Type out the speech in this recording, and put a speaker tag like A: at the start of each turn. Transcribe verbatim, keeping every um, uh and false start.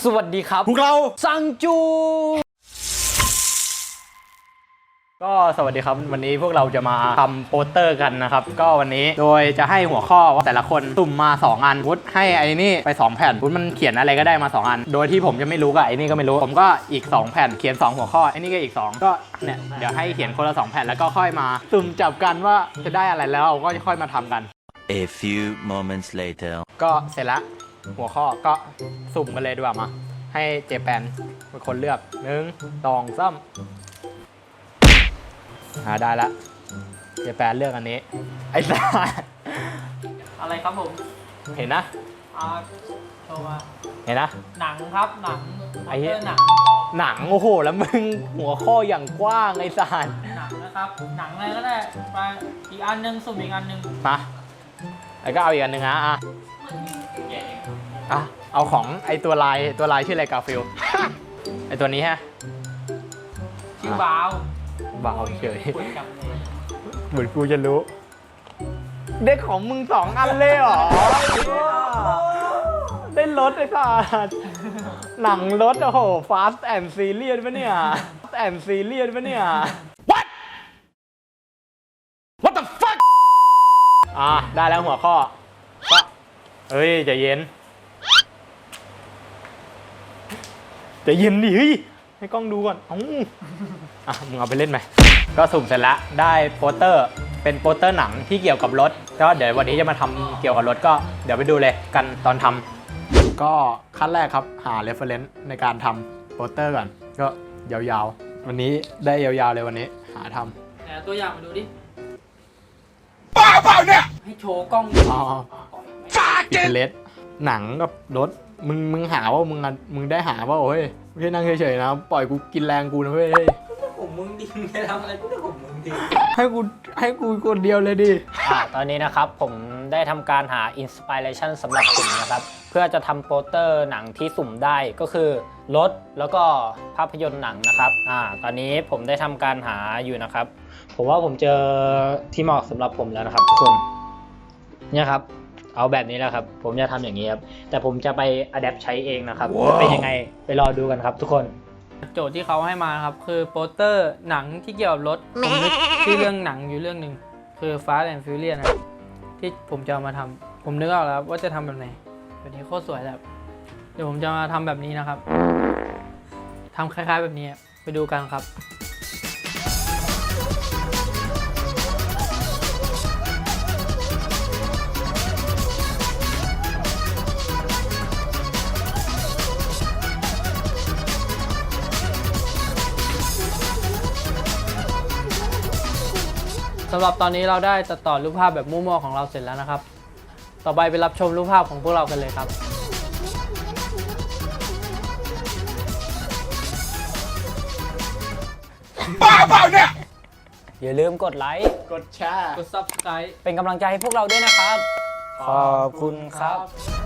A: สวัสดีครับ
B: พวกเรา
A: ซังจูก็สวัสดีครับวันนี้พวกเราจะมาทำโปสเตอร์กันนะครับก็วันนี้โดยจะให้หัวข้อว่าแต่ละคนสุ่มมาสองอันวุฒให้ไอ้นี่ไปสองแผ่นวุฒมันเขียนอะไรก็ได้มาสองอันโดยที่ผมจะไม่รู้กับไอ้นี่ก็ไม่รู้ผมก็อีกสองแผ่นเขียนสองหัวข้อไอ้นี่ก็อีกสองก็เนี่ยเดี๋ยวให้เขียนคนละสองแผ่นแล้วก็ค่อยมาสุ่มจับกันว่าจะได้อะไรแล้วเราก็ค่อยมาทำกัน
C: A few moments later
A: ก็เสร็จแล้วหัวข้อก็สุ่มกันเลยดีกว่ามาให้เจแปนเป็นคนเลือกหนึ่งสองสามอ่าได้ละเจแปนเลือกอันนี้ไอ้สัส
D: อะไรครับผม
A: เห็นนะ
D: อ่าโชว์มา
A: เห็นนะ
D: หนังครับหนัง
A: ไอ้เหี้ย
D: หนัง
A: หนังโอ้โหแล้วมึงหัวข้ออย่างกว้างไอ้สัส
D: หนังนะครับหนังอะไรก็ได้ไปอีกอันนึงสุ่มอีกอันนึง
A: มาแล้วก็เอาอีกอันหนึ่งนะอ่ะอ่ะเอาของไอตัวลายตัวลายชื่ออะไรกาฟิล ไอตัวนี้ฮะ
D: ชื่อบาว
A: บาวเฉยเหมือนกูจะรู้ได้ของมึงสองอันเลยเหรอได้รถไอ้สัสหนังรถโอ้โห Fast and Furious ปะเนี่ย Fast and Furious ปะเนี่ย What What the fuck อ่ะได้แล้วหัวข้อก็เฮ้ยใจเย็นใจเย็นดิเฮ้ยให้กล้องดูก่อนเอ้าอ่ะมึงเอาไปเล่นไหมก็สุ่มเสร็จแล้วได้โปสเตอร์เป็นโปสเตอร์หนังที่เกี่ยวกับรถก็เดี๋ยววันนี้จะมาทำเกี่ยวกับรถก็เดี๋ยวไปดูเลยกันตอนทำก็ขั้นแรกครับหา reference ในการทำโปสเตอร์ก่อนก็ยาวๆวันนี้ได้ยาวๆเลยวันนี้หาทำ
D: แต่ตัวอย่างมาดูดิ
B: บ้าเปล่าเนี่ย
D: ให้โชว์กล้อง
A: อ๋อปิดเลสหนังกับรถมึงมึงหาว่ามึงมึงได้หาว่าโอ้ยไม่ใช่นั่งเฉยๆนะปล่อยกูกินแรงกูนะเว้ย
D: ผมมึงดิจะทำอะไรก็ได้ผมมึงดิ
A: ให้กูให้กูคนเดียวเลยดิ
E: อ่าตอนนี้นะครับผมได้ทำการหาอินสปิเรชันสำหรับสุ่มนะครับเพื่อจะทำโปสเตอร์หนังที่สุ่มได้ก็คือรถแล้วก็ภาพยนตร์หนังนะครับอ่าตอนนี้ผมได้ทำการหาอยู่นะครับผมว่าผมเจอที่เหมาะสำหรับผมแล้วนะครับทุกคนเนี่ยครับเอาแบบนี้แล้วครับผมจะทำอย่างนี้ครับแต่ผมจะไปอัดแอปใช้เองนะครับ wow. เป็นยังไงไปรอดูกันครับทุกคน
D: โจทย์ที่เขาให้มาครับคือโปสเตอร์หนังที่เกี่ยวกับรถผมนึกชื่อเรื่องหนังอยู่เรื่องหนึ่งคือ Fast and Furious นะที่ผมจะเอามาทำผมนึกออกแล้วว่าจะทำแบบไหนแบบนี้โคตรสวยแล้วเดี๋ยวผมจะมาทำแบบนี้นะครับทำคล้ายๆแบบนี้ไปดูกันครับสำหรับตอนนี้เราได้ตัดต่อรูปภาพแบบมั่วๆของเราเสร็จแล้วนะครับต่อไปไปรับชมรูปภาพของพวกเรากันเลยครับ
B: บ้าเปล่าเนี่ย
E: อย่าลืมกดไลค์
A: กดแชร์
D: กด ซับสไครบ์
E: เป็นกำลังใจให้พวกเราด้วยนะครับขอบคุณครับ